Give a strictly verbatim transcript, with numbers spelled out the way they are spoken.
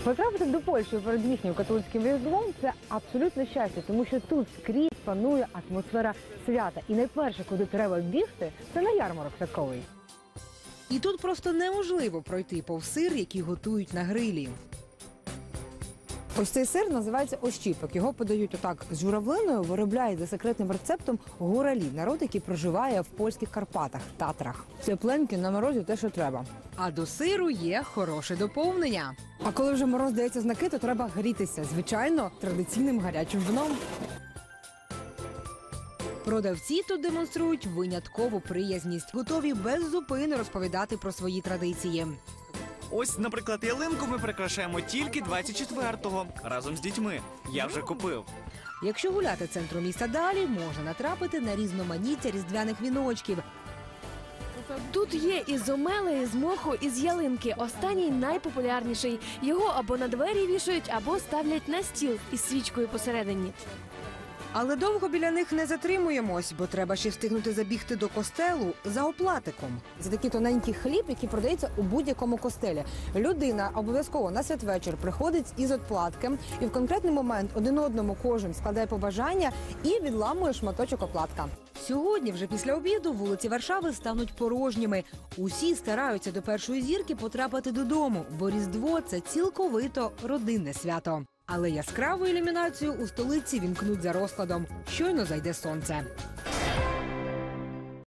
Потрапити до Польщі перед їхнім католицьким різдвом – це абсолютне щастя, тому що тут скрізь панує атмосфера свята. І найперше, куди треба бігти, це на ярмарок святковий. І тут просто неможливо пройти повз сир, який готують на грилі. Ось цей сир називається ощіпок. Його подають отак з журавлиною, виробляють за секретним рецептом гуралі, народ, який проживає в польських Карпатах, Татрах. Тепленькі на морозі те, що треба. А до сиру є хороше доповнення. А коли вже мороз дається знаки, то треба грітися. Звичайно, традиційним гарячим вином. Продавці тут демонструють виняткову приязність, готові без зупини розповідати про свої традиції. Ось, наприклад, ялинку ми прикрашаємо тільки двадцять четвертого, разом з дітьми. Я вже купив. Якщо гуляти центром міста далі, можна натрапити на різноманіття різдвяних віночків. Тут є із омели, із моху, із ялинки. Останній найпопулярніший. Його або на двері вішають, або ставлять на стіл із свічкою посередині. Але довго біля них не затримуємось, бо треба ще встигнути забігти до костелу за оплатиком. Це такий тоненький хліб, який продається у будь-якому костелі. Людина обов'язково на святвечір приходить із отплатки, і в конкретний момент один одному кожен складає побажання і відламує шматочок оплатка. Сьогодні, вже після обіду, вулиці Варшави стануть порожніми. Усі стараються до першої зірки потрапити додому, бо Різдво – це цілковито родинне свято. Але яскраву ілюмінацію у столиці вімкнуть за розкладом. Щойно зайде сонце.